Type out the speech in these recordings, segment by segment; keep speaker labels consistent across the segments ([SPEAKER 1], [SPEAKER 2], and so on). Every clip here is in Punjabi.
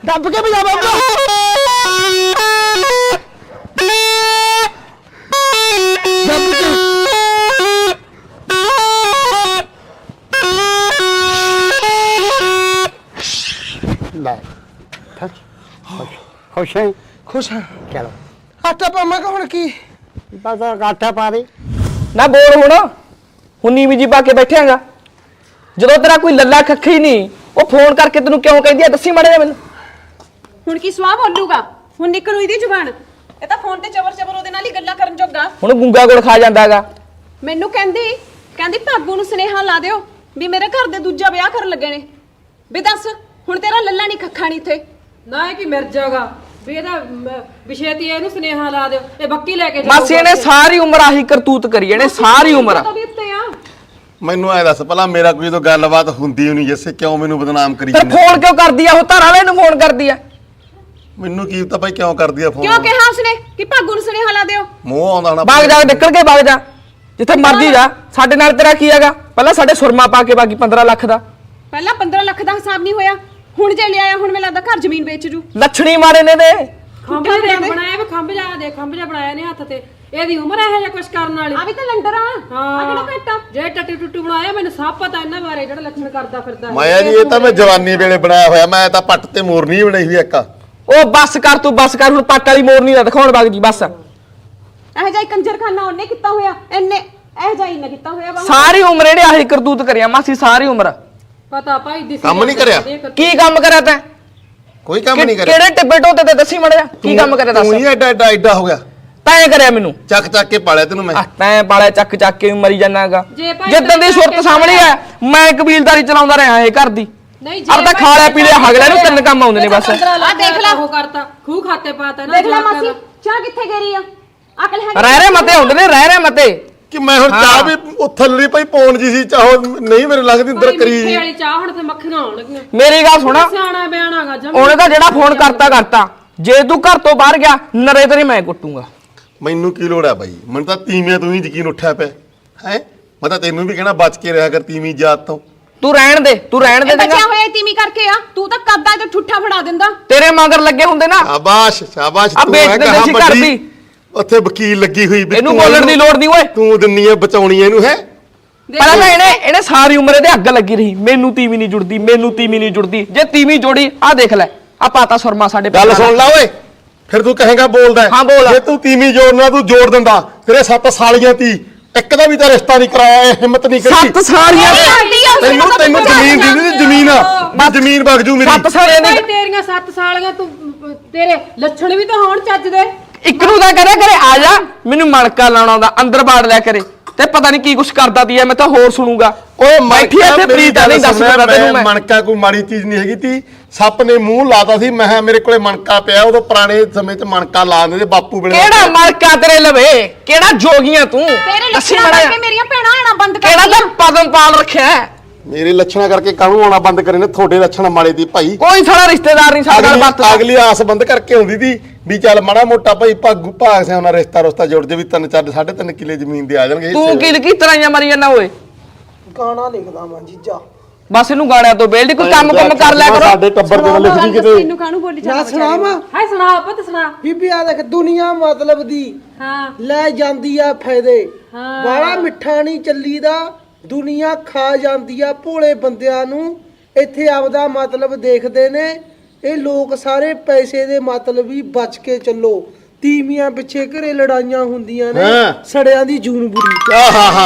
[SPEAKER 1] ਦੱਬ ਕੇ ਵਜਾ ਬਾਬਾ ਦੱਬ ਕੇ ਲੈ ਖੁਸ਼ ਹੈ
[SPEAKER 2] ਖੁਸ਼ ਹਾਂ
[SPEAKER 1] ਚਲੋ
[SPEAKER 2] ਆਟਾ ਪਾਵਾਂਗਾ ਹੁਣ ਕੀ
[SPEAKER 1] ਬਸ ਆਟਾ ਪਾ ਦੇ
[SPEAKER 3] ਨਾ ਬੋਲ ਹੁਣ ਨੀਵੀਂ ਜੀ ਪਾ ਕੇ ਬੈਠਿਆਂਗਾ ਜਦੋਂ ਤੇਰਾ ਕੋਈ ਲੱਲਾ ਖੱਖੀ ਨਹੀਂ ਉਹ ਫੋਨ ਕਰਕੇ ਤੈਨੂੰ ਕਿਉਂ ਕਹਿੰਦੀ ਆ ਦੱਸੀ ਮਾੜੇ ਜਿਹਾ ਮੈਨੂੰ
[SPEAKER 4] ਹੁਣ ਕੀ ਸਵਾਹ ਬੋਲੂਗਾ ਹੁਣ ਨਿਕਲੂ ਇਹਦੀ ਜ਼ੁਬਾਨ ਇਹ ਤਾਂ ਫੋਨ ਤੇ ਚਵਰ ਉਹਦੇ ਨਾਲ ਹੀ ਗੱਲਾਂ ਕਰਨ ਜੋਗਾ
[SPEAKER 3] ਹੁਣ ਗੁੰਗਾ ਗੁੜ ਖਾ ਜਾਂਦਾਗਾ
[SPEAKER 4] ਮੈਨੂੰ ਕਹਿੰਦੀ ਭਾਗੂ ਨੂੰ ਸੁਨੇਹਾ ਲਾ ਦਿਓ ਵੀ ਮੇਰੇ ਘਰ ਦੇ ਦੂਜਾ ਵਿਆਹ ਕਰਨ ਲੱਗੇ ਨੇ ਵੀ ਦੱਸ ਹੁਣ ਤੇਰਾ ਲੱਲਾ ਨਹੀਂ ਖੱਖਾ ਨਹੀਂ ਇੱਥੇ
[SPEAKER 5] ਨਾ ਇਹ ਕੀ ਮਿਰ ਜਾਗਾ ਵੀ ਇਹਦਾ ਵਿਸ਼ੇਤੀ ਇਹਨੂੰ ਸੁਨੇਹਾ ਲਾ ਦਿਓ ਇਹ ਬੱਕੀ ਲੈ ਕੇ
[SPEAKER 3] ਮਾਸੀ ਇਹਨੇ ਸਾਰੀ ਉਮਰ ਆਹੀ ਕਰਤੂਤ ਕਰੀ ਇਹਨੇ ਸਾਰੀ ਉਮਰ
[SPEAKER 4] ਵੀ ਉੱਤੇ ਆ
[SPEAKER 6] ਮੈਨੂੰ ਐ ਦੱਸ ਪਹਿਲਾਂ ਮੇਰਾ ਕੋਈ ਜਦੋਂ ਗੱਲਬਾਤ ਹੁੰਦੀ ਨਹੀਂ ਜੈਸੇ ਕਿਉਂ ਮੈਨੂੰ ਬਦਨਾਮ ਕਰੀ
[SPEAKER 3] ਫਿਰ ਫੋਨ ਕਿਉਂ ਕਰਦੀ ਆ ਉਹ ਧਾਰ ਵਾਲੇ ਨੂੰ ਫੋਨ ਕਰਦੀ ਆ
[SPEAKER 6] ਮੈਨੂੰ ਕੀ ਪਤਾ ਭਾਈ ਕਿਉਂ ਕਰਦੀ ਆ ਫੋਨ
[SPEAKER 4] ਕਿਉਂ ਕਿਹਾ ਉਸਨੇ ਕਿ ਭਾਗੂ ਨੂੰ ਸੁਨੇਹਾ ਲਾ ਦਿਓ
[SPEAKER 6] ਮੂੰਹ ਆਉਂਦਾ ਨਾ
[SPEAKER 3] ਬਾਗ ਜਾ ਨਿਕਲ ਕੇ ਬਾਗ ਜਾ ਜਿੱਥੇ ਮਰਜੀ ਜਾ ਸਾਡੇ ਨਾਲ ਤੇਰਾ ਕੀ ਹੈਗਾ ਪਹਿਲਾਂ ਸਾਡੇ ਸੁਰਮਾ ਪਾ ਕੇ ਬਾਕੀ 15 ਲੱਖ ਦਾ
[SPEAKER 4] ਪਹਿਲਾਂ 15 ਲੱਖ ਦਾ ਹਿਸਾਬ ਨਹੀਂ ਹੋਇਆ ਹੁਣ ਜੇ ਲਿਆਇਆ ਹੁਣ ਮੈਨੂੰ ਲੱਗਦਾ ਘਰ ਜ਼ਮੀਨ ਵੇਚ ਜੂ
[SPEAKER 3] ਲੱਛਣੀ ਮਾਰੇ ਨੇ ਦੇ
[SPEAKER 5] ਖੰਭ ਜਿਹਾ ਬਣਾਇਆ ਵੀ ਖੰਭ ਜਿਹਾ ਬਣਾਇਆ ਨੇ ਹੱਥ ਤੇ ਇਹਦੀ ਉਮਰ ਇਹੋ ਜਿਹਾ ਕੁਛ ਕਰਨ ਵਾਲੀ
[SPEAKER 4] ਆ ਵੀ ਤਾਂ ਲੰਡਰ ਆ ਆ ਕਿਹੜਾ ਘੱਟਾ
[SPEAKER 5] ਜੇ ਟੱਟੂ ਟੁੱਟੂ ਬਣਾਇਆ ਮੈਨੂੰ ਸਭ ਪਤਾ ਇਹਨਾਂ ਬਾਰੇ ਜਿਹੜਾ ਲੱਛਣ ਕਰਦਾ ਫਿਰਦਾ
[SPEAKER 6] ਮਾਇਆ ਜੀ ਇਹ ਤਾਂ ਮੈਂ ਜਵਾਨੀ ਵੇਲੇ ਬਣਾਇਆ ਹੋਇਆ ਮੈਂ ਤਾਂ ਪੱਟ ਤੇ ਮੋਰਨੀ ਬਣਾਈ ਹੋਈ ਇੱਕ
[SPEAKER 3] ਉਹ ਬੱਸ ਕਰ ਤੂੰ ਬੱਸ ਕਰ ਹੁਣ ਪੱਟ ਵਾਲੀ ਮੋਰਨੀ ਦਾ ਦਿਖਾਉਣ ਬਾਗ ਜੀ ਬੱਸ
[SPEAKER 4] ਇਹ ਜਾਈ ਕੰਜਰਖਾਨਾ ਉਹਨੇ ਕੀਤਾ ਹੋਇਆ ਇਹਨੇ ਇਹ ਜਾਈ ਨਾ ਕੀਤਾ ਹੋਇਆ ਵਾ
[SPEAKER 3] ਸਾਰੀ ਉਮਰ ਇਹਨੇ ਆਹੀ ਕਰਤੂਤ ਕਰਿਆ ਮਾਸੀ ਸਾਰੀ ਉਮਰ
[SPEAKER 5] ਪਤਾ ਭਾਈ ਦਿਸ
[SPEAKER 6] ਕੰਮ ਨਹੀਂ ਕਰਿਆ
[SPEAKER 3] ਕੀ ਕੰਮ ਕਰਿਆ ਤੈਂ
[SPEAKER 6] ਕੋਈ ਕੰਮ ਨਹੀਂ ਕਰਿਆ
[SPEAKER 3] ਕਿਹੜੇ ਟਿੱਬੇ ਟੋਤੇ ਤੇ ਦੱਸੀ ਮੜਿਆ ਕੀ ਕੰਮ ਕਰਿਆ ਦੱਸ
[SPEAKER 6] ਤੂੰ ਹੀ ਐਡਾ ਹੋ ਗਿਆ
[SPEAKER 3] ਤੈਂ ਕਰਿਆ ਮੈਨੂੰ
[SPEAKER 6] ਚੱਕ ਕੇ ਪਾਲਿਆ ਤੈਨੂੰ ਮੈਂ
[SPEAKER 3] ਤੈਂ ਪਾਲਿਆ ਚੱਕ ਕੇ ਮਰੀ ਜਾਣਾਗਾ
[SPEAKER 5] ਜੇ ਭਾਈ
[SPEAKER 3] ਜਿੱਦਾਂ ਦੀ ਸੁਰਤ ਸਾਹਮਣੇ ਆ ਮੈਂ ਕਬੀਲਦਾਰੀ ਚਲਾਉਂਦਾ ਰਿਹਾ ਇਹ ਘਰ ਦੀ
[SPEAKER 5] ਨਹੀਂ
[SPEAKER 3] ਅਬ ਤਾਂ ਖਾ ਲਿਆ ਪੀ ਲਿਆ ਹਗਲੇ ਨੂੰ ਤਿੰਨ ਕੰਮ ਆਉਂਦੇ ਨੇ ਬਸ
[SPEAKER 5] ਆ ਦੇਖ ਲੈ ਉਹ ਕਰਤਾ ਖੂਹ ਖਾਤੇ ਪਾਤਾ ਨਾ
[SPEAKER 4] ਦੇਖ ਲੈ ਮਾਸੀ ਚਾਹ ਕਿੱਥੇ ਗੇਰੀ ਆ ਅਕਲ ਹੈ
[SPEAKER 3] ਰਹਿ ਰਹੇ ਮਤੇ ਹੁੰਦੇ ਨੇ ਰਹਿ ਰਹੇ ਮਤੇ
[SPEAKER 6] ਕਿ ਮੈਂ ਹੁਣ ਚਾਹ ਵੀ ਉਹ ਥੱਲੜੀ ਭਾਈ ਪੌਣ ਜੀ ਸੀ ਚਾਹੋ ਨਹੀਂ ਮੇਰੇ ਲੱਗਦੀ ਅੰਦਰ ਕਰੀ
[SPEAKER 5] ਮਿੱਠੇ ਵਾਲੀ ਚਾਹ ਹੁਣ ਤੇ ਮੱਖੀਆਂ ਆਉਣ ਲੱਗੀਆਂ
[SPEAKER 3] ਮੇਰੀ ਗੱਲ ਸੁਣਾ
[SPEAKER 5] ਸਿਆਣਾ ਬਿਆਣਾਗਾ ਜਮ
[SPEAKER 3] ਉਹਨੇ ਤਾਂ ਜਿਹੜਾ ਫੋਨ ਕਰਤਾ ਜੇ ਤੂੰ ਘਰ ਤੋਂ ਬਾਹਰ ਗਿਆ ਨਰੇ ਤੇਰੀ ਮੈਂ ਕੁੱਟੂਗਾ
[SPEAKER 6] ਮੈਨੂੰ ਕੀ ਲੋੜ ਆ ਬਾਈ ਮੈਨੂੰ ਤਾਂ ਤੀਵੀਆਂ ਤੂੰ ਹੀ ਯਕੀਨ ਉੱਠਿਆ ਪਿਆ ਹੈ ਮੈਂ ਤਾਂ ਤੈਨੂੰ ਵੀ ਕਹਿਣਾ ਬਚ ਕੇ ਰਿਹਾ ਕਰ ਤੀਵੀਂ ਜਾਤ ਤੋਂ
[SPEAKER 3] ਤੂੰ ਰਹਿਣ ਦੇ ਚੰਗਾ
[SPEAKER 4] ਬਚਿਆ ਹੋਇਆ ਤੀਮੀ ਕਰਕੇ ਆ ਤੂੰ ਤਾਂ ਕੱਦਾ ਤੇ ਠੁੱਠਾ ਫੜਾ ਦਿੰਦਾ
[SPEAKER 3] ਤੇਰੇ ਮਗਰ ਲੱਗੇ ਹੁੰਦੇ ਨਾ
[SPEAKER 6] ਸ਼ਾਬਾਸ਼
[SPEAKER 3] ਆ ਵੇਚ ਦਿੰਦੇ ਸੀ ਘਰ ਦੀ
[SPEAKER 6] ਉੱਥੇ ਵਕੀਲ ਲੱਗੀ ਹੋਈ ਵੀ
[SPEAKER 3] ਇਹਨੂੰ ਬੋਲਣ ਦੀ ਲੋੜ ਨਹੀਂ ਓਏ
[SPEAKER 6] ਤੂੰ ਦਿੰਨੀ ਐ ਬਚਾਉਣੀ ਇਹਨੂੰ ਹੈ
[SPEAKER 3] ਪਹਿਲਾਂ ਤਾਂ ਇਹਨੇ ਸਾਰੀ ਉਮਰ ਇਹਦੇ ਅੱਗ ਲੱਗੀ ਰਹੀ ਮੈਨੂੰ ਤੀਵੀਂ ਨਹੀਂ ਜੁੜਦੀ ਜੇ ਤੀਵੀਂ ਜੋੜੀ ਆ ਦੇਖ ਲੈ ਆ ਪਾਤਾ ਸੁਰਮਾ ਸਾਡੇ
[SPEAKER 6] ਗੱਲ ਸੁਣ ਲੈ ਓਏ ਫਿਰ ਤੂੰ ਕਹੇਗਾ ਬੋਲਦਾ
[SPEAKER 3] ਹਾਂ, ਬੋਲ।
[SPEAKER 6] ਜੇ ਤੂੰ ਤੀਵੀਂ ਜੋੜਨਾ ਤੂੰ ਜੋੜ ਦਿੰਦਾ ਤੇਰੇ 7 ਸਾਲੀਆਂ ਤੀ ਇੱਕ ਦਾ ਵੀ ਤਾਂ ਰਿਸ਼ਤਾ ਨਹੀਂ ਕਰਾਇਆ ਇਹ ਹਿੰਮਤ ਨਹੀਂ ਕਰੀ
[SPEAKER 3] 7 ਸਾਲੀਆਂ
[SPEAKER 6] ਤੈਨੂੰ ਜ਼ਮੀਨ ਦੀ ਜ਼ਮੀਨ ਆ ਜ਼ਮੀਨ ਵਗ ਜੂ ਮੇਰੀ
[SPEAKER 3] 7 ਸਾਲੀਆਂ
[SPEAKER 5] ਭਾਈ
[SPEAKER 3] ਦੀ
[SPEAKER 5] ਤੇਰੀਆਂ 7 ਸਾਲੀਆਂ ਤੂੰ ਤੇਰੇ ਲੱਛਣ ਵੀ ਤਾਂ ਹੋਣ ਚੱਜ ਦੇ
[SPEAKER 3] ਇੱਕ ਨੂੰ ਤਾਂ ਕਰਿਆ ਕਰੇ ਆ ਜਾ ਮੈਨੂੰ ਮਣਕਾ ਲਾਉਣਾ ਆਉਂਦਾ ਅੰਦਰ ਬਾੜ ਲਿਆ ਕਰੇ ਤੇ ਪਤਾ ਨਹੀਂ ਕੀ ਕੁਛ ਕਰਦਾ ਦੀ ਐ ਮੈਂ ਤਾਂ ਹੋਰ ਸੁਣੂਗਾ
[SPEAKER 6] ਓਏ
[SPEAKER 3] ਬੈਠੀ ਐ ਤੇ ਪ੍ਰੀਤ ਨਹੀਂ ਦੱਸ ਸਕਦਾ ਤੈਨੂੰ ਮੈਂ
[SPEAKER 6] ਮਣਕਾ ਕੋਈ ਮਾੜੀ ਚੀਜ਼ ਨਹੀਂ ਹੈਗੀ ਤੀ ਸੱਪ ਨੇ ਮੂੰਹ ਲਾਤਾ ਸੀ ਮੈਂ ਮੇਰੇ ਕੋਲੇ ਮਣਕਾ ਪਿਆ ਉਦੋਂ ਪੁਰਾਣੇ ਸਮੇਂ 'ਚ ਮਣਕਾ ਲਾਉਂਦੇ ਸੀ ਬਾਪੂ ਵੇਲੇ
[SPEAKER 3] ਕਿਹੜਾ ਮਣਕਾ ਤੇਰੇ ਲਵੇ ਕਿਹੜਾ ਜੋਗੀਆਂ ਤੂੰ
[SPEAKER 4] ਤੇਰੇ
[SPEAKER 3] ਦੱਸੀ
[SPEAKER 4] ਲੱਛਣਾਂ
[SPEAKER 3] ਮਾੜਾ
[SPEAKER 4] ਕਰਕੇ ਮੇਰੀਆਂ ਭੈਣਾਂ ਆਣਾ ਬੰਦ ਕਰ
[SPEAKER 3] ਕਿਹੜਾ ਤਾਂ ਪਦਮ ਪਾਲ ਰੱਖਿਆ ਹੈ?
[SPEAKER 6] ਮੇਰੇ ਲੱਛਣਾ ਕਰਕੇ ਕਾਹਨੂੰ ਆਉਣਾ ਬੰਦ ਕਰੇ ਨੇ ਤੁਹਾਡੇ ਲੱਛਣ ਮਾੜੇ ਦੀ ਭਾਈ
[SPEAKER 3] ਕੋਈ ਸਾਡਾ ਰਿਸ਼ਤੇਦਾਰ ਨਹੀਂ ਸਾਡੇ ਨਾਲ ਵਰਤਦਾ
[SPEAKER 6] ਅਗਲੀ ਆਸ ਬੰਦ ਕਰਕੇ ਆਉਂਦੀ ਸੀ ਵੀ ਚੱਲ ਮਾੜਾ ਮੋਟਾ ਭਾਈ ਭਾਗ ਸਿਆ ਉਹਨਾਂ ਰਿਸ਼ਤਾ ਜੁੜ ਜੇ ਵੀ 3-4 3.5 ਕਿੱਲੇ ਜ਼ਮੀਨ ਦੇ ਆ ਜਾਣਗੇ
[SPEAKER 3] ਤੂੰ ਕੀ ਤਰ੍ਹਾਂ ਮਰੀ ਜਾਂਦਾ ਓਏ
[SPEAKER 2] ਗਾਣਾ ਲਿਖਦਾ ਮੈਂ ਜੀਜਾ
[SPEAKER 3] ਬਸ ਇਹਨੂੰ ਗਾਣਿਆਂ ਤੋਂ ਬੇਲਦੀ ਕੋਈ ਕੰਮ ਕਰ ਲਿਆ ਕਰੋ
[SPEAKER 6] ਸਾਡੇ ਟੱਬਰ ਦੇ ਨਾਲ ਲਿਖਦੀ ਕਿਤੇ
[SPEAKER 4] ਤੈਨੂੰ ਕਾਹਨੂੰ ਬੋਲੀ
[SPEAKER 2] ਨਾ
[SPEAKER 4] ਜਾਂਦਾ
[SPEAKER 2] ਸੁਣਾਵਾ
[SPEAKER 5] ਹਾਏ ਸੁਣਾ ਪੁੱਤ ਸੁਣਾ
[SPEAKER 2] ਬੀਬੀ ਆ ਦੇਖ ਦੁਨੀਆ ਮਤਲਬ ਦੀ
[SPEAKER 5] ਹਾਂ
[SPEAKER 2] ਲੈ ਜਾਂਦੀ ਆ ਫਾਇਦੇ
[SPEAKER 5] ਹਾਂ।
[SPEAKER 2] ਬਾਹਲਾ ਮਿੱਠਾ ਨਹੀਂ ਚੱਲੀਦਾ ਦੁਨੀਆ ਖਾ ਜਾਂਦੀ ਆ ਭੋਲੇ ਬੰਦਿਆਂ ਨੂੰ ਇੱਥੇ ਆਪਦਾ ਮਤਲਬ ਦੇਖਦੇ ਨੇ ਇਹ ਲੋਕ ਸਾਰੇ ਪੈਸੇ ਦੇ ਮਤਲਬ ਹੀ ਬਚ ਕੇ ਚੱਲੋ ਤੀਵੀਆਂ ਪਿੱਛੇ ਘਰੇ ਲੜਾਈਆਂ ਹੁੰਦੀਆਂ ਨੇ
[SPEAKER 6] ਹਾਂ।
[SPEAKER 2] ਸੜਿਆਂ ਦੀ ਜੂਨ ਬੁਰੀ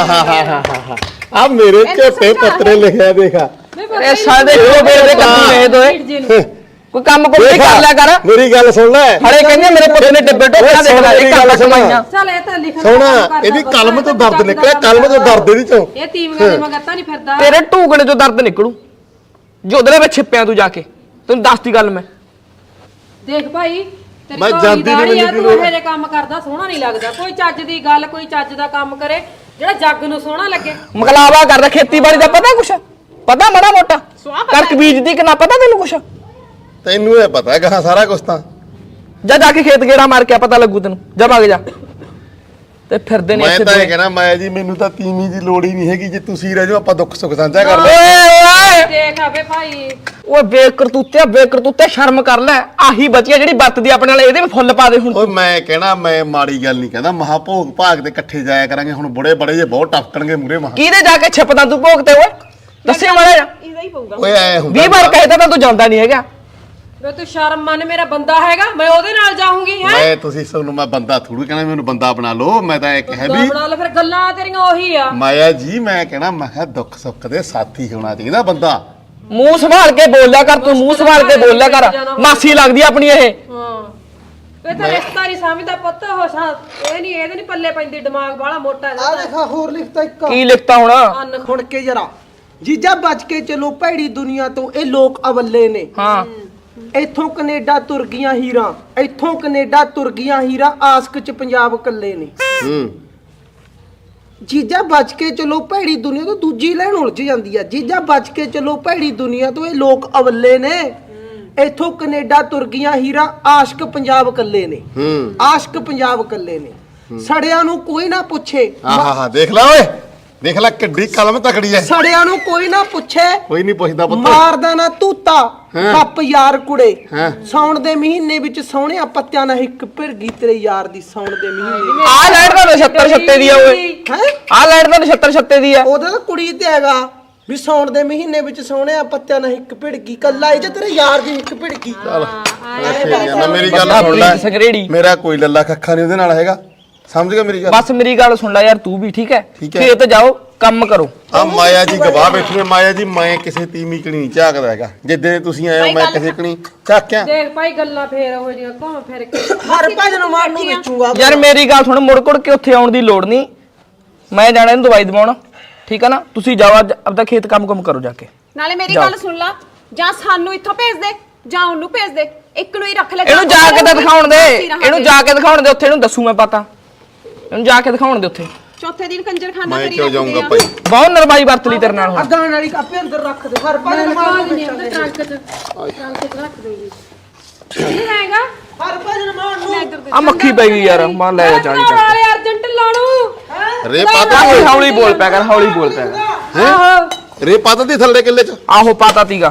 [SPEAKER 6] ਆ ਮੇਰੇ ਝੋਟੇ ਪੱਤਰੇ ਲਿਖਿਆ ਦੇਖਾ
[SPEAKER 3] ਇਹ ਸਾਡੇ ਕੋ ਬੇੜੇ ਕੱਢੀ ਨੇ ਦੋਏ ਕੋਈ ਕੰਮ ਕੋਈ ਕਰ ਲਿਆ ਕਰ
[SPEAKER 6] ਮੇਰੀ ਗੱਲ ਸੁਣ ਲੈ
[SPEAKER 3] ਹੜੇ ਕਹਿੰਦੇ ਮੇਰੇ ਪੁੱਤ ਨੇ ਡੱਬੇ ਟੋਕਾ ਦੇਖ ਲੈ ਇਹ ਗੱਲ ਸੁਣਾਈਆਂ
[SPEAKER 5] ਚੱਲ ਇਹ ਤਾਂ ਲਿਖਣ
[SPEAKER 6] ਸੋਹਣਾ ਇਹਦੀ ਕਲਮ ਤੋਂ ਦਰਦ ਨਿਕਲਿਆ ਕਲਮ ਤੋਂ ਦਰਦ ਇਹਦੀ ਚੋਂ
[SPEAKER 5] ਇਹ ਤੀਵੀਆਂ ਦੇ ਮਗਰ ਤਾਂ ਨਹੀਂ ਫਿਰਦਾ
[SPEAKER 3] ਤੇਰੇ ਢੂਕਣੇ ਚੋਂ ਦਰਦ ਨਿਕਲੂ ਜੋਦਲੇ ਵਿੱਚ ਛਿਪਿਆ ਤੂੰ ਜਾ ਕੇ ਤੈਨੂੰ ਦੱਸਦੀ ਗੱਲ ਮੈਂ
[SPEAKER 5] ਦੇਖ ਭਾਈ ਤੇਰੀ
[SPEAKER 6] ਮੈਂ
[SPEAKER 5] ਘੋੜੀ
[SPEAKER 6] ਜਾਂਦੀ ਨੀ,
[SPEAKER 5] ਦਾੜੀ ਆ,
[SPEAKER 6] ਮੈਨੂੰ
[SPEAKER 5] ਤੂੰ
[SPEAKER 6] ਕੀ
[SPEAKER 5] ਇਹੋ ਜਿਹੇ ਕੰਮ ਕਰਦਾ ਸੋਹਣਾ ਨਹੀਂ ਲੱਗਦਾ ਕੋਈ ਚੱਜ ਦੀ ਗੱਲ ਕੋਈ ਚੱਜ ਦਾ ਕੰਮ ਕਰੇ ਜਿਹੜਾ ਜੱਗ ਨੂੰ ਸੋਹਣਾ ਲੱਗੇ
[SPEAKER 3] ਮਕਲਾਵਾ ਕਰਦਾ ਖੇਤੀਬਾੜੀ ਦਾ ਪਤਾ ਕੁਛ ਪਤਾ ਮਾੜਾ ਮੋਟਾ ਕਣਕ ਬੀਜਦੀ ਕਿ ਨਾ ਪਤਾ ਤੈਨੂੰ ਕੁਛ
[SPEAKER 6] ਤੈਨੂੰ ਇਹ ਪਤਾ ਹੈਗਾ ਸਾਰਾ ਕੁਝ ਤਾਂ
[SPEAKER 3] ਜਾ ਕੇ ਖੇਤ ਗੇੜਾ ਮਾਰ ਕੇ ਪਤਾ ਲੱਗੂ ਤੈਨੂੰ ਜਾ ਭੱਗ ਜਾ ਤੇ ਫਿਰਦੇ ਨੇ
[SPEAKER 6] ਮੈਂ ਤਾਂ ਇਹ ਕਹਿਣਾ ਮੈਂ ਜੀ ਮੈਨੂੰ ਤਾਂ ਤੀਵੀਂ ਦੀ ਲੋੜ ਹੀ ਨਹੀਂ ਹੈਗੀ ਜੇ ਤੁਸੀਂ ਰਹਿ ਜਾਓ ਆਪਾਂ ਦੁੱਖ ਸੁੱਖ ਸਾਂਝਾ ਕਰ
[SPEAKER 3] ਓਏ
[SPEAKER 6] ਲਓ
[SPEAKER 3] ਓਏ ਓਏ
[SPEAKER 5] ਦੇਖ ਆਵੇ ਭਾਈ
[SPEAKER 3] ਓਏ ਬੇਕਰਤੂਤੇ ਸ਼ਰਮ ਕਰ ਲੈ। ਆਹੀ ਬਚੀਆ ਜਿਹੜੀ ਵਰਤਦੀ ਆਪਣੇ ਨਾਲ, ਇਹਦੇ ਵੀ ਫੁੱਲ ਪਾ ਦੇ ਹੁਣ।
[SPEAKER 6] ਓਏ ਮੈਂ ਕਹਿਣਾ, ਮੈਂ ਮਾੜੀ ਗੱਲ ਨਹੀਂ ਕਹਿੰਦਾ, ਮਹਾ ਭੋਗ ਭਾਗ ਤੇ ਇਕੱਠੇ ਜਾਇਆ ਕਰਾਂਗੇ। ਹੁਣ ਬੁੜੇ ਬੜੇ ਜੇ ਬਹੁਤ ਟਪਕਣਗੇ ਮੂਰੇ ਮਹਾ।
[SPEAKER 3] ਕਿਹਦੇ ਜਾ ਕੇ ਛਿਪਦਾ ਤੂੰ ਭੋਗ ਤੇ? ਓਏ ਦੱਸੇ ਮਾੜਾ ਜਾ।
[SPEAKER 4] ਇਹਦਾ ਹੀ ਪਊਗਾ।
[SPEAKER 6] ਓਏ ਐ ਹੁੰਦਾ
[SPEAKER 3] 20 ਵਾਰ ਕਹਿਤਾ ਤਾਂ ਤੂੰ ਜਾਂਦਾ ਨਹੀਂ ਹੈਗਾ।
[SPEAKER 5] ਵੇ ਤੂੰ ਸ਼ਰਮ ਮੰਨ, ਮੇਰਾ ਬੰਦਾ ਹੈਗਾ, ਮੈਂ ਉਹਦੇ ਨਾਲ ਜਾਊਂਗੀ ਹੈ।
[SPEAKER 6] ਮੈਂ ਤੁਸੀਂ ਸਾਨੂੰ ਮੈਂ ਬੰਦਾ ਥੋੜੂ ਕਹਿਣਾ ਮੈਨੂੰ ਬੰਦਾ ਬਣਾ ਲਓ। ਮੈਂ ਤਾਂ ਇਹ ਕਹਿ ਵੀ
[SPEAKER 5] ਬਣਾ ਲੈ ਫਿਰ, ਗੱਲਾਂ ਤੇਰੀਆਂ ਉਹੀ ਆ।
[SPEAKER 6] ਮਾਇਆ ਜੀ, ਮੈਂ ਕਹਿਣਾ ਮੈਂ ਕਿਹਾ ਦੁੱਖ ਸੁੱਖ ਦੇ ਸਾਥੀ ਹੋਣਾ ਚਾਹੀਦਾ ਬੰਦਾ।
[SPEAKER 3] ਮੂੰਹ ਸੰਭਾਲ ਕੇ ਬੋਲਿਆ ਕਰ ਤੂੰ, ਮੂੰਹ ਸੰਭਾਲ ਕੇ ਬੋਲਿਆ ਕਰ। ਮਾਸੀ ਲੱਗਦੀ ਆਪਣੀ ਇਹ।
[SPEAKER 5] ਹਾਂ ਵੇ ਤਾਂ ਰਿਸ਼ਤਾ ਨਹੀਂ ਸਮਝਦਾ ਪੁੱਤ। ਇਹ ਨਹੀਂ, ਇਹਦੇ ਨਹੀਂ ਪੱਲੇ ਪੈਂਦੀ, ਦਿਮਾਗ ਬਾਹਲਾ ਮੋਟਾ
[SPEAKER 2] ਆ
[SPEAKER 5] ਇਹਦਾ।
[SPEAKER 2] ਦੇਖਾ ਹੋਰ ਲਿਖਤਾ ਇੱਕ
[SPEAKER 3] ਕੀ ਲਿਖਤਾ ਹੁਣ?
[SPEAKER 5] ਅੰਨ
[SPEAKER 2] ਹੁਣ ਕੇ ਜਰਾ ਜੀਜਾ ਬਚ ਕੇ ਚਲੋ ਭੈੜੀ ਦੁਨੀਆ ਤੋਂ, ਇਹ ਲੋਕ ਅਵੱਲੇ ਨੇ।
[SPEAKER 3] ਹਾਂ
[SPEAKER 2] ਇੱਥੋਂ ਕੈਨੇਡਾ ਤੁਰ ਗਈਆਂ ਹੀਰਾਂ, ਇੱਥੋਂ ਕੈਨੇਡਾ ਤੁਰ ਗਈਆਂ ਹੀਰਾਂ, ਆਸਕ ਚ ਪੰਜਾਬ ਕੱਲੇ ਨੇ। ਜੀਜਾ ਬਚ ਕੇ ਚਲੋ ਭੈੜੀ ਦੁਨੀਆ ਤੋਂ, ਦੂਜੀ ਲੈਣ ਉਲਝ ਜਾਂਦੀ ਆ। ਜੀਜਾ ਬਚ ਕੇ ਚਲੋ ਭੈੜੀ ਦੁਨੀਆ ਤੋਂ, ਇਹ ਲੋਕ ਅਵੱਲੇ ਨੇ। ਇੱਥੋਂ ਕੈਨੇਡਾ ਤੁਰ ਗਈਆਂ ਹੀਰਾਂ, ਆਸ਼ਕ ਪੰਜਾਬ ਕੱਲੇ ਨੇ। ਆਸ਼ਕ ਪੰਜਾਬ ਕੱਲੇ ਨੇ। ਸੜਿਆਂ ਨੂੰ ਕੋਈ ਨਾ ਪੁੱਛੇ,
[SPEAKER 6] ਆਹਾ ਦੇਖ ਲੈ ਓਏ, ਦੇਖ ਲੈ ਕਿੱਡੀ ਕਲਮ ਤਕੜੀ ਐ।
[SPEAKER 2] ਸੜਿਆਂ ਨੂੰ ਕੋਈ ਨਾ ਪੁੱਛੇ,
[SPEAKER 6] ਕੋਈ ਨਹੀਂ ਪੁੱਛਦਾ ਪੁੱਤ।
[SPEAKER 2] ਮਾਰਦਾ ਨਾ ਤੂਤਾ ਕੱਪ ਯਾਰ ਕੁੜੇ।
[SPEAKER 6] ਹਾਂ।
[SPEAKER 2] ਸਾਉਣ ਦੇ ਮਹੀਨੇ ਵਿੱਚ ਸੋਹਣਿਆ ਪੱਤਿਆਂ ਨਾਲ ਇੱਕ ਭਿਰਗੀ ਤੇਰੇ ਯਾਰ ਦੀ। ਸਾਉਣ ਦੇ ਮਹੀਨੇ
[SPEAKER 3] ਆ ਲੈਟ ਦਾ 76 ਛੱਤੇ ਦੀ ਆ ਓਏ।
[SPEAKER 2] ਹੈ
[SPEAKER 3] ਆ ਲੈਟ ਦਾ 76 ਛੱਤੇ ਦੀ ਆ।
[SPEAKER 2] ਉਹਦਾ ਤਾਂ ਕੁੜੀ ਤੇ ਹੈਗਾ ਵੀ ਸਾਉਣ ਦੇ ਮਹੀਨੇ ਵਿੱਚ ਸੋਹਣਿਆ ਪੱਤਿਆਂ ਨਾਲ ਇੱਕ ਭਿੜਗੀ, ਕੱਲਾ ਇਹ ਚ ਤੇਰੇ ਯਾਰ ਦੀ ਇੱਕ ਭਿੜਗੀ।
[SPEAKER 6] ਮੇਰੀ ਗੱਲ ਸੁਣ ਲੈ,
[SPEAKER 3] ਸੰਗਰੇੜੀ
[SPEAKER 6] ਮੇਰਾ ਕੋਈ ਲੱਲਾ ਖੱਖਾ ਨਹੀਂ ਉਹਦੇ ਨਾਲ ਹੈਗਾ। ਸਮਝ ਗਿਆ ਮੇਰੀ ਗੱਲ?
[SPEAKER 3] ਬਸ ਮੇਰੀ ਗੱਲ ਸੁਣ ਲੈ ਯਾਰ, ਤੂੰ ਵੀ ਠੀਕ ਹੈ।
[SPEAKER 6] ਠੀਕ ਹੈ।
[SPEAKER 3] ਖੇਤ ਜਾਓ, ਕੰਮ ਕਰੋ।
[SPEAKER 6] ਆ ਮਾਇਆ ਜੀ ਗਵਾਹ ਬੈਠੇ ਨੇ। ਮਾਇਆ ਜੀ, ਮੈਂ ਕਿਸੇ ਤੀਵੀਂ ਕਣੀ ਨਹੀਂ ਝਾਕਦਾ ਹੈਗਾ। ਜਿੱਦੇ ਤੁਸੀਂ ਆਏ ਹੋ ਮੈਂ ਕਿਸੇ ਕਣੀ ਝਾਕਿਆ।
[SPEAKER 5] ਦੇਖ ਭਾਈ, ਗੱਲਾਂ ਫੇਰ ਉਹ ਜਿਹੀਆਂ ਘੁੰਮ ਫਿਰ ਕੇ।
[SPEAKER 2] ਹਰ ਭਜਨ ਮਾਰ ਨੂੰ ਵੇਚੂਗਾ।
[SPEAKER 3] ਯਾਰ ਮੇਰੀ ਗੱਲ ਸੁਣ, ਮੁੜ ਕੁੜ ਕੇ ਉੱਥੇ ਆਉਣ ਦੀ ਲੋੜ ਨਹੀਂ। ਮੈਂ ਜਾਣਾ ਇਹਨੂੰ ਦਵਾਈ ਦਵਾਉਣ, ਠੀਕ ਹੈ ਨਾ? ਤੁਸੀਂ ਜਾਓ ਅੱਜ ਆਪਦਾ ਖੇਤ ਕੰਮ ਕਰੋ ਜਾ ਕੇ।
[SPEAKER 4] ਨਾਲੇ ਮੇਰੀ ਗੱਲ ਸੁਣ ਲਾ, ਜਾਂ ਸਾਨੂੰ ਇੱਥੋਂ ਭੇਜ ਦੇ ਜਾਂ ਉਹਨੂੰ ਭੇਜ ਦੇ, ਇੱਕ ਨੂੰ ਹੀ ਰੱਖ ਲੈ।
[SPEAKER 3] ਇਹਨੂੰ ਜਾ ਕੇ ਤਾਂ ਦਿਖਾਉਣ ਦੇ, ਇਹਨੂੰ ਜਾ ਕੇ ਦਿਖਾਉਣ ਦੇ। ਉੱਥੇ ਇਹਨੂੰ ਦੱਸੂ ਮੈਂ ਪਤਾ। ਇਹਨੂੰ ਜਾ ਕੇ ਦਿਖਾਉਣ ਦੇ ਉੱਥੇ।
[SPEAKER 4] ਚੌਥੇ ਦਿਨ ਕੰਜਰਖਾਨਾ
[SPEAKER 6] ਮੈਂ
[SPEAKER 4] ਕਰੀ
[SPEAKER 6] ਕਿਉਂ
[SPEAKER 4] ਰੱਖਦੇ
[SPEAKER 6] ਜਾਊਂਗਾ
[SPEAKER 4] ਆ।
[SPEAKER 6] ਭਾਈ?
[SPEAKER 3] ਬਹੁਤ ਨਰਮਾਈ ਵਰਤ ਲਈ ਤੇਰੇ ਨਾਲ ਹੁਣ।
[SPEAKER 2] ਅਗਾਂ ਵਾਲੀ ਕਾਪੇ ਅੰਦਰ ਰੱਖ ਦੇ। ਹਰ ਭਜਨ ਮਾਰ ਨੂੰ ਵੇਚਾਂਗੇ।
[SPEAKER 5] ਟਰੰਕ ਚ ਰੱਖ ਦੇਗੀ। ਕੀ ਹੈਗਾ?
[SPEAKER 2] ਹਰ ਭਜਨ ਮਾਰ ਨੂੰ
[SPEAKER 3] ਆ ਮੱਖੀ ਪੈ ਗਈ ਯਾਰ, ਮਾਰ ਲੈ ਜਾ 40 ਚੱਕ।
[SPEAKER 5] ਵਾਲੇ ਅਰਜੈਂਟ ਲਾਣੂ।
[SPEAKER 6] ਰੇ ਪਾਤਾ
[SPEAKER 3] ਓਏ ਹੌਲੀ ਬੋਲ ਪਿਆ ਕਰ, ਹੌਲੀ ਬੋਲ ਪਿਆ ਕਰ।
[SPEAKER 5] ਆਹੋ
[SPEAKER 6] ਰੇ ਪਾਤਾ ਦੀ ਥੱਲੇ ਕਿੱਲੇ ਚ।
[SPEAKER 3] ਆਹੋ ਪਾਤਾ ਤੀਗਾ।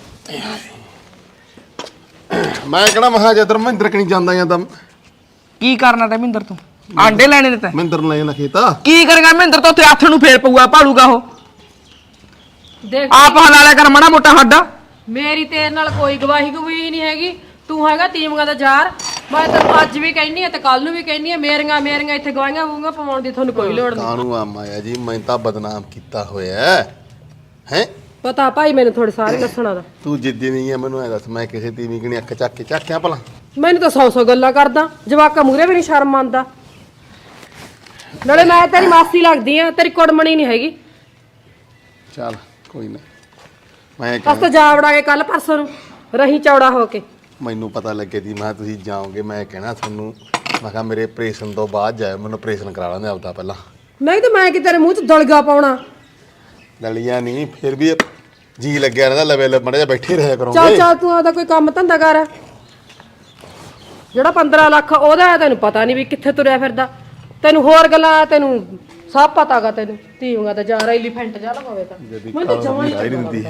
[SPEAKER 6] ਮੈਂ ਕਿਹੜਾ ਮਹਾ ਜਦਰ ਮਹਿੰਦਰ ਕਣੀ ਜਾਂਦਾ ਜਾਂਦਾ।
[SPEAKER 3] ਕੀ ਕਰਨਾ ਤੇ ਮਹਿੰਦਰ ਤੂੰ? ਆਂਡੇ ਲੈਣੇ ਨੇ ਤੈਂ?
[SPEAKER 6] ਮਹਿੰਦਰ ਨੂੰ ਲੈ ਜਾਂਦਾ ਖੇਤਾ।
[SPEAKER 3] ਕੀ ਕਰੇਗਾ ਮਹਿੰਦਰ? ਤਾਂ ਉੱਥੇ ਹੱਥ ਨੂੰ ਫੇਰ ਪਊਗਾ, ਭਾਲੂਗਾ ਉਹ।
[SPEAKER 5] ਦੇਖ
[SPEAKER 3] ਆਪ ਹਲਾ ਲਿਆ ਕਰ ਮਾੜਾ ਮੋਟਾ ਹੱਡਾ।
[SPEAKER 5] ਮੇਰੀ ਤੇਰੇ ਨਾਲ ਕੋਈ ਗਵਾਹੀ ਨਹੀਂ ਹੈਗੀ। ਤੂੰ ਹੈਗਾ ਤੀਮਗਾ ਦਾ ਯਾਰ। ਮੈਂ ਤੈਨੂੰ ਅੱਜ ਵੀ ਕਹਿਨੀ ਆ ਤੇ ਕੱਲ ਨੂੰ ਵੀ ਕਹਿਨੀ ਆ, ਮੇਰੀਆਂ ਇੱਥੇ ਗਵਾਹੀਆਂ ਵੂੰਗਾ ਪਾਉਣ ਦੀ ਤੁਹਾਨੂੰ ਕੋਈ ਲੋੜ ਨਹੀਂ।
[SPEAKER 6] ਕਾਹਨੂੰ ਆ ਮਾਇਆ ਜੀ, ਮੈਂ ਤਾਂ ਬਦਨਾਮ ਕੀਤਾ ਹੋਇਆ ਹੈ।
[SPEAKER 5] ਪਤਾ ਭਾਈ ਮੈਨੂੰ ਥੋੜੇ ਸਾਰੇ ਲੱਛਣਾਂ ਦਾ।
[SPEAKER 6] ਤੂੰ ਜਿੱਦੀ ਨਹੀਂ ਹੈ ਮੈਨੂੰ ਐ ਦੱਸ, ਮੈਂ ਕਿਸੇ ਤੀਵੀਂ ਕਣੀ ਅੱਖ ਚੱਕ ਕੇ ਝਾਕਿਆ ਭਲਾ?
[SPEAKER 5] ਮੈਨੂੰ ਤਾਂ 100 ਗੱਲਾਂ ਕਰਦਾ, ਜਵਾਕਾਂ ਮੂਰੇ ਵੀ ਨਹੀਂ ਸ਼ਰਮ ਆਉਂਦਾ। ਨਾਲੇ ਮੈਂ ਤੇਰੀ ਮਾਸੀ ਲੱਗਦੀ ਆ, ਤੇਰੀ ਕੁੜਮਣੀ ਨਹੀਂ ਹੈਗੀ।
[SPEAKER 6] ਚੱਲ ਕੋਈ ਨਾ। ਮੈਂ
[SPEAKER 5] ਅਸ ਤਾਂ ਜਾ ਵੜਾ ਕੇ ਕੱਲ ਪਰਸੋਂ ਨੂੰ ਰਹੀ ਚੌੜਾ ਹੋ ਕੇ।
[SPEAKER 6] ਮੈਨੂੰ ਪਤਾ ਲੱਗੇ ਦੀ ਮੈਂ ਤੁਸੀਂ ਜਾਓਗੇ, ਮੈਂ ਕਹਿਣਾ ਤੁਹਾਨੂੰ, ਮੈਂ ਕਿਹਾ ਮੇਰੇ ਆਪਰੇਸ਼ਨ ਤੋਂ ਬਾਅਦ ਜਾਇਓ, ਮੈਨੂੰ ਆਪਰੇਸ਼ਨ ਕਰਾ ਲੈਂਦੇ ਆਪਦਾ ਪਹਿਲਾਂ।
[SPEAKER 5] ਨਹੀਂ ਤਾਂ ਮੈਂ ਕਿ ਤੇਰੇ ਮੂੰਹ 'ਚ ਦਲਗਾ ਪਾਉਣਾ।
[SPEAKER 6] ਲਲੀਆਂ ਨਹੀਂ, ਫਿਰ ਵੀ ਜੀ ਲੱਗਿਆ ਰਹਿੰਦਾ। ਲਵੇ ਮੜੇ ਜਾ ਬੈਠੇ ਰਿਹਾ
[SPEAKER 5] ਚੱਲ
[SPEAKER 6] ਕਰੋਗੇ।
[SPEAKER 5] ਚੱਲ ਤੂੰ ਆਦਾ ਕੋਈ ਕੰਮ ਧੰਦਾ ਕਰ। ਜਿਹੜਾ 15 ਲੱਖ ਉਹਦਾ ਹੈ, ਤੈਨੂੰ ਪਤਾ ਨਹੀਂ ਵੀ ਕਿੱਥੇ ਤੁਰਿਆ ਫਿਰਦਾ। ਤੈਨੂੰ ਹੋਰ ਗੱਲਾਂ ਤੈਨੂੰ ਸਭ ਪਤਾਗਾ। ਤੈਨੂੰ ਧੀਵਾਂ ਤਾਂ ਜਾ ਐਲੀਫੈਂਟ ਜਾ ਲਵਾਵੇ ਤਾਂ ਮੈਂ ਤਾਂ ਜਮਾਂ
[SPEAKER 6] ਨਹੀਂ ਦਿੰਦੀ।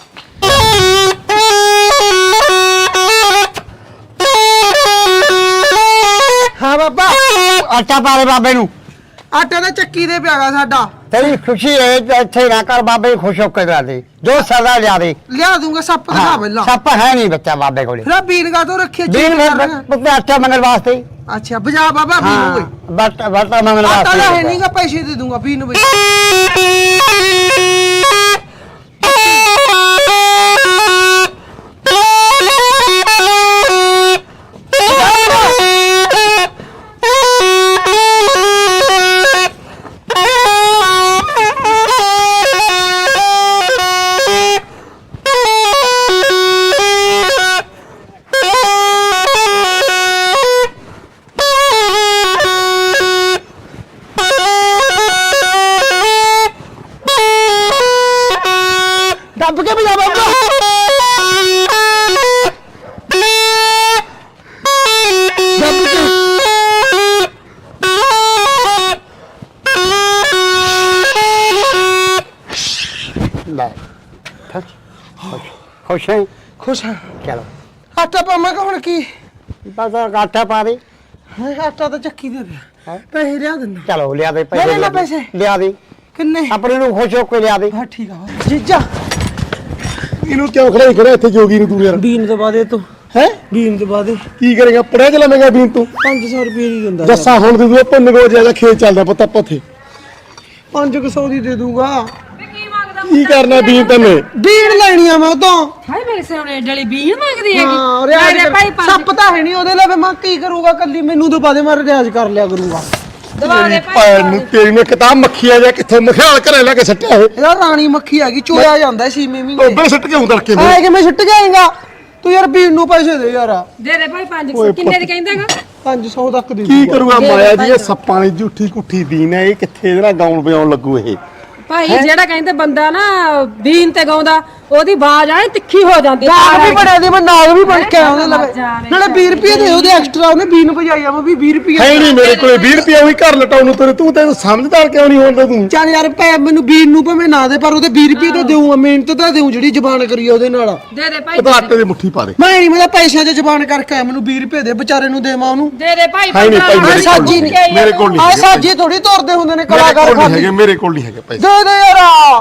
[SPEAKER 1] ਹਾਂ ਬਾਬਾ, ਆਟਾ ਪਾ ਦੇ ਬਾਬੇ ਨੂੰ।
[SPEAKER 2] ਆਟਾ ਦਾ ਚੱਕੀ ਦੇ ਪਿਆਗਾ ਸਾਡਾ।
[SPEAKER 1] ਤੇਰੀ ਖੁਸ਼ੀ ਹੈ ਇੱਥੇ ਨਾ ਕਰ, ਬਾਬੇ ਨੂੰ ਖੁਸ਼ ਹੋ ਕੇ ਲਾ ਦੇ। ਜੋ ਸਦਾ ਲਿਆ ਦੇ।
[SPEAKER 2] ਲਿਆ ਦੂੰਗਾ ਸੱਪ ਦਿਖਾ ਪਹਿਲਾਂ।
[SPEAKER 1] ਸੱਪ ਹੈ ਨਹੀਂ ਬੱਚਾ ਬਾਬੇ ਕੋਲੇ।
[SPEAKER 2] ਫਿਰ ਬੀਨਗਾ ਤੋਂ ਰੱਖਿਆ
[SPEAKER 1] ਦੀਨ ਪੁੱਤੇ ਆਟਾ ਮੰਗਣ ਵਾਸਤੇ।
[SPEAKER 2] ਅੱਛਾ ਬਜਾ ਬਾਬਾ ਬੀਨ
[SPEAKER 1] ਹਾਂ,
[SPEAKER 2] ਹੋਏ।
[SPEAKER 1] ਬਟਾ ਮੰਗਣ
[SPEAKER 2] ਆਟਾ
[SPEAKER 1] ਵਾਸਤੇ।
[SPEAKER 2] ਦਾ ਹੈ ਨਹੀਂਗਾ, ਪੈਸੇ ਦੇ ਦੂੰਗਾ ਬੀਨ ਬਈ।
[SPEAKER 1] ਦੱਬ ਕੇ ਭਜਾ ਬਾਬਾ। ਦੱਬ ਕੇ। ਲੈ ਖੁਸ਼ ਹੈ
[SPEAKER 2] ਖੁਸ਼ ਹਾਂ
[SPEAKER 1] ਚਲੋ
[SPEAKER 2] ਆਟਾ ਪਾਵਾਂ ਕਿ ਹੁਣ ਕੀ
[SPEAKER 1] ਬਸ ਆਟਾ ਪਾ ਦੇ
[SPEAKER 2] ਆਟਾ ਤਾਂ ਚੱਕੀ ਦੇ ਪਿਆ ਪੈਸੇ ਲਿਆ ਦਿੰਦਾ
[SPEAKER 1] ਚਲੋ ਲਿਆ ਦੇ
[SPEAKER 2] ਲੈ ਲੈ ਪੈਸੇ।
[SPEAKER 1] ਲਿਆ ਦੇ
[SPEAKER 2] ਕਿੰਨੇ
[SPEAKER 1] ਆਪਣੇ ਨੂੰ ਖੁਸ਼ ਹੋ ਕੇ ਲਿਆ ਦੇ
[SPEAKER 2] ਹਾਂ ਠੀਕ ਆ ਜੀਜਾ
[SPEAKER 6] ਇਹਨੂੰ ਕਿਉਂ ਖੜਾ ਇੱਥੇ ਜੋਗੀ ਨੂੰ ਤੂੰ ਯਾਰ
[SPEAKER 2] ਬੀਨ ਤੋਂ ਬਾਅਦ ਤੂੰ
[SPEAKER 6] ਹੈ
[SPEAKER 2] ਬੀਨ ਤੋਂ ਬਾਅਦ
[SPEAKER 6] ਕੀ ਕਰੇਗਾ ਪੜਿਆ ਚ ਲਵੇਂਗਾ ਬੀਨ ਤੂੰ
[SPEAKER 2] 500 ਰੁਪਏ ਦੀ ਦਿੰਦਾ
[SPEAKER 6] ਜੱਸਾ ਹੁਣ ਤੂੰ ਭੁੰਨ ਗੋ ਜਿਆਦਾ ਖੇਤ ਚੱਲਦਾ ਪੁੱਤ ਆਪਾਂ ਉੱਥੇ
[SPEAKER 2] 500 ਦੀ ਦੇ ਦੂੰਗਾ
[SPEAKER 6] ਕੀ ਕਰਨਾ ਬੀਨ ਤੈਨੇ
[SPEAKER 2] ਬੀਨ ਲੈਣੀ ਆ ਮੈਂ ਉਦੋਂ
[SPEAKER 5] ਹਾਏ ਮੇਰੇ ਸਾਹਮਣੇ ਡਲੀ ਬੀਨ ਮੰਗਦੀ
[SPEAKER 2] ਹਾਂ
[SPEAKER 5] ਹੈਗੀ
[SPEAKER 2] ਰਿਆਜ਼
[SPEAKER 5] ਭਾਈ
[SPEAKER 2] ਸੱਪ ਤਾਂ ਹੈ ਨਹੀਂ ਉਹਦੇ ਲਈ ਮੈਂ ਕੀ ਕਰੂੰਗਾ ਕੱਲੀ ਮੈਨੂੰ ਤਾਂ ਬਾਦੇ ਮੈਂ ਰਿਆਜ਼ ਕਰ ਲਿਆ ਕਰੂੰਗਾ
[SPEAKER 5] ਦਵਾ ਦੇ
[SPEAKER 6] ਭੈਣ ਨੂੰ ਤੇਰੀ ਨੇ ਕਿਤਾਬ ਮੱਖੀ ਆ ਜਾ ਕਿੱਥੇ ਮਖਿਆਲ ਘਰੇ ਲੈ ਕੇ ਸੱਟਿਆ ਇਹ
[SPEAKER 2] ਇਹਦਾ ਰਾਣੀ ਮੱਖੀ ਆ ਗਈ ਚੋਇਆ ਜਾਂਦਾ ਸੀ ਮੀਮੀ
[SPEAKER 6] ਟੋਬੇ ਸੱਟ ਕੇ ਉਧਰ ਕੇ
[SPEAKER 2] ਐ ਕਿਵੇਂ ਛੁੱਟ ਜਾਏਗਾ ਤੂੰ ਯਾਰ ਬੀਨ ਨੂੰ ਪੈਸੇ ਦੇ ਯਾਰ
[SPEAKER 5] ਦੇ ਦੇ ਭਾਈ 500 ਕਿੰਨੇ ਦੀ ਕਹਿੰਦਾਗਾ
[SPEAKER 2] 500 ਤੱਕ ਦੇ
[SPEAKER 6] ਕੀ ਕਰੂਗਾ ਮਾਇਆ ਜੀ ਇਹ ਸੱਪਾਂ ਦੀ ਝੂਠੀ ਕੁੱਠੀ ਬੀਨ ਹੈ ਇਹ ਕਿੱਥੇ ਇਹਦੇ ਨਾਲ ਗਾਉਣ ਵਜਾਉਣ ਲੱਗੂ ਇਹ
[SPEAKER 5] ਭਾਈ ਜਿਹੜਾ ਕਹਿੰਦੇ ਬੰਦਾ ਨਾ ਬੀਨ ਤੇ ਗਾਉਂਦਾ ਉਹਦੀ ਆਵਾਜ਼ ਆਏ ਤਿੱਖੀ ਹੋ ਜਾਂਦੀ
[SPEAKER 2] ਨਾਗ ਵੀ ਬਣਿਆ ਦੀ ਮੈਂ ਨਾਗ ਵੀ ਬਣ ਕੇ ਆਇਆ ਉਹਦੇ ਲਵੇ
[SPEAKER 5] ਜਾਵੇ।
[SPEAKER 2] ਨਾਲੇ 20 ਰੁਪਏ ਦੇ ਉਹਦੇ ਐਕਸਟਰਾ ਉਹਨੇ ਬੀਨ ਭਜਾਈ ਆ ਮੈਂ ਵੀ 20 ਰੁਪਏ
[SPEAKER 6] ਹੈ ਨਹੀਂ ਮੇਰੇ ਕੋਲੇ 20 ਰੁਪਏ ਉਹੀ ਘਰ ਲਟਾਉਣ ਨੂੰ ਤੂੰ ਤੈਨੂੰ ਸਮਝਦਾਰ ਕਿਉਂ ਨਹੀਂ ਹੁੰਦਾ ਤੂੰ
[SPEAKER 2] ਚੱਲ ਯਾਰ ਪੈ ਮੈਨੂੰ ਬੀਨ ਨੂੰ ਭਾਵੇਂ ਨਾ ਦੇ ਪਰ ਉਹਦੇ 20 ਰੁਪਏ ਤਾਂ ਦੇਊਂਗਾ ਮਿਹਨਤ ਤਾਂ ਦੇਊਂ ਜਿਹੜੀ ਜ਼ਬਾਨ ਕਰੀ ਆ ਉਹਦੇ ਨਾਲ
[SPEAKER 5] ਦੇ ਦੇ ਭਾਈ
[SPEAKER 6] ਉਹ ਤਾਂ ਆਟੇ ਦੀ ਮੁੱਠੀ ਪਾ ਦੇ
[SPEAKER 2] ਮੈਂ ਨਹੀਂ ਮੈਂ ਤਾਂ ਪੈਸਿਆਂ 'ਚ ਜ਼ਬਾਨ ਕਰਕੇ ਆਇਆ ਮੈਨੂੰ 20 ਰੁਪਏ ਦੇ ਵਿਚਾਰੇ ਨੂੰ ਦੇਵਾਂ ਉਹਨੂੰ
[SPEAKER 5] ਦੇ ਦੇ ਭਾਈ
[SPEAKER 6] ਹੈ ਨਹੀਂ ਭਾਈ
[SPEAKER 2] ਆਹ ਸਾਜੀ
[SPEAKER 6] ਮੇਰੇ ਕੋਲ ਨਹੀਂ
[SPEAKER 2] ਆ
[SPEAKER 6] ਹੈਗੇ
[SPEAKER 2] ਸਾਜੀ ਥੋੜੀ ਤੋਰਦੇ ਹੁੰਦੇ ਨੇ
[SPEAKER 6] ਮੇਰੇ
[SPEAKER 2] ਕਲਾਕਾਰ
[SPEAKER 6] ਕੋਲ ਨਹੀਂ
[SPEAKER 2] ਖਾਲੀ
[SPEAKER 6] ਹੈਗੇ ਮੇਰੇ ਕੋਲ ਨਹੀਂ ਹੈਗੇ ਪੈਸੇ
[SPEAKER 2] ਦੇ ਦੇ ਯਾਰ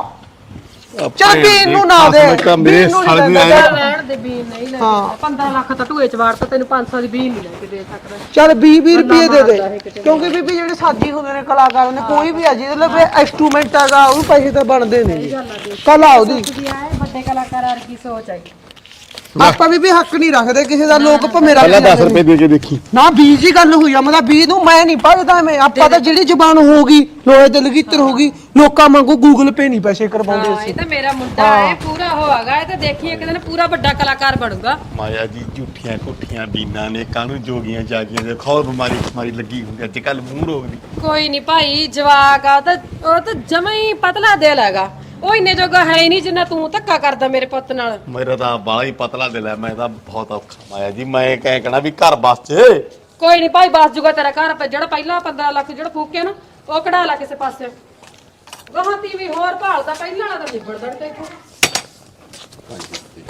[SPEAKER 2] ਚੱਲ ਬੀਨ ਨੂੰ ਨਾ ਦੇ
[SPEAKER 6] ਮੇਰੇ
[SPEAKER 2] ਬੀਨ ਨੂੰ
[SPEAKER 6] ਸਾਲੇ
[SPEAKER 2] ਨਹੀਂ
[SPEAKER 6] ਦੀ
[SPEAKER 2] ਦਿੰਦਾ।
[SPEAKER 5] ਲੈਣ ਦੇ ਬੀਨ ਨਹੀਂ ਲੈ
[SPEAKER 2] ਹਾਂ
[SPEAKER 5] 15 ਲੱਖ ਤਾਂ ਢੂਏ ਚ ਵਾੜਤਾ ਤੈਨੂੰ 500 ਦੀ ਬੀਨ ਨਹੀਂ ਲੈ ਕੇ ਦੇ ਸਕਦਾ
[SPEAKER 2] ਚੱਲ 20 ਰੁਪਏ ਦੇ ਦੇ ਕਿਉਂਕਿ ਬੀਬੀ ਜਿਹੜੇ ਸਾਜੀ ਹੁੰਦੇ ਨੇ ਕਲਾਕਾਰ ਨੇ ਕੋਈ ਵੀ ਆ ਜਿਹਦੇ ਲਈ ਇੰਸਟਰੂਮੈਂਟ ਹੈਗਾ ਉਹ ਪੈਸੇ ਤਾਂ ਬਣਦੇ ਨੇ ਕਲਾ ਉਹਦੀ
[SPEAKER 5] ਜੀ ਆਏ ਵੱਡੇ ਕਲਾਕਾਰਾਂ ਵਰਗੀ ਸੋਚ ਆਈ
[SPEAKER 2] ਆਪਾਂ ਵੀ ਹੱਕ ਨਹੀਂ ਰੱਖਦੇ ਕਿਸੇ ਦਾ ਲੋਕ ਭਮੇਰਾ
[SPEAKER 6] ਪਹਿਲਾਂ 10 ਰੁਪਏ ਦੇ ਕੇ ਦੇਖੀ
[SPEAKER 2] ਨਾ 20 ਦੀ ਗੱਲ ਹੋਈ ਆ ਮਤਲਬ 20 ਨੂੰ ਮੈਂ ਨਹੀਂ ਭਜਦਾ ਮੈਂ ਆਪਾਂ ਤਾਂ ਜਿਹੜੀ ਜ਼ਬਾਨ ਹੋਊਗੀ ਲੋਹੇ ਦੇ ਲਗੀਤਰ ਹੋਊਗੀ ਲੋਕਾਂ ਵਾਂਗੂ ਗੂਗਲ ਪੇ ਨਹੀਂ ਪੈਸੇ ਕਰਵਾਉਂਦੇ
[SPEAKER 5] ਹਾਂ ਇਹ ਤਾਂ ਮੇਰਾ ਮੁੰਡਾ ਹੈ ਪੂਰਾ ਹੋਵਾਗਾ ਇਹ ਤਾਂ ਦੇਖੀ ਇੱਕ ਦਿਨ ਪੂਰਾ ਵੱਡਾ ਕਲਾਕਾਰ ਬਣੂਗਾ
[SPEAKER 6] ਮਾਇਆ ਜੀ ਝੂਠੀਆਂ ਕੁੱਠੀਆਂ ਬੀਨਾਂ ਨੇ ਕਾਹਨੂੰ ਜੋਗੀਆਂ ਜਾਗੀਆਂ ਦੇ ਖੌਰ ਬਿਮਾਰੀ ਲੱਗੀ ਹੁੰਦੀ ਅੱਜ ਕੱਲ ਮੂੰਹ ਰੋਗ ਦੀ
[SPEAKER 5] ਕੋਈ ਨਹੀਂ ਭਾਈ ਜਵਾਕ ਆ ਉਹ ਤਾਂ ਜਮਾ ਹੀ ਪਤਲਾ ਦਿਲ ਹੈਗਾ ਉਹ ਇੰਨੇ ਜੋਗਾ ਹੈ ਹੀ ਨਹੀਂ ਜਿੰਨਾ ਤੂੰ ਧੱਕਾ ਕਰਦਾ ਮੇਰੇ ਪੁੱਤ ਨਾਲ
[SPEAKER 6] ਮੇਰਾ ਤਾਂ ਬਾਲਾ ਹੀ ਪਤਲਾ ਦਿਲ ਹੈ ਮੈਂ ਤਾਂ ਬਹੁਤ ਔਖਾ ਮਾਇਆ ਜੀ ਮੈਂ ਕਹਿ ਕਹਣਾ ਵੀ ਘਰ ਬਸ ਚ
[SPEAKER 5] ਕੋਈ ਨਹੀਂ ਭਾਈ ਬਸ ਜੂਗਾ ਤੇਰਾ ਘਰ ਜਿਹੜਾ ਪਹਿਲਾਂ 15 ਲੱਖ ਜਿਹੜਾ ਫੂਕਿਆ ਨਾ ਉਹ ਕਢਾ ਲਾ ਕਿਸੇ ਪਾਸੇ ਗਾਹਾਂ ਵੀ ਹੋਰ ਭਾਲਦਾ ਪਹਿਲਾਂ ਵਾਲਾ ਤਾਂ ਨਿਬੜ ਦੜ ਤੇ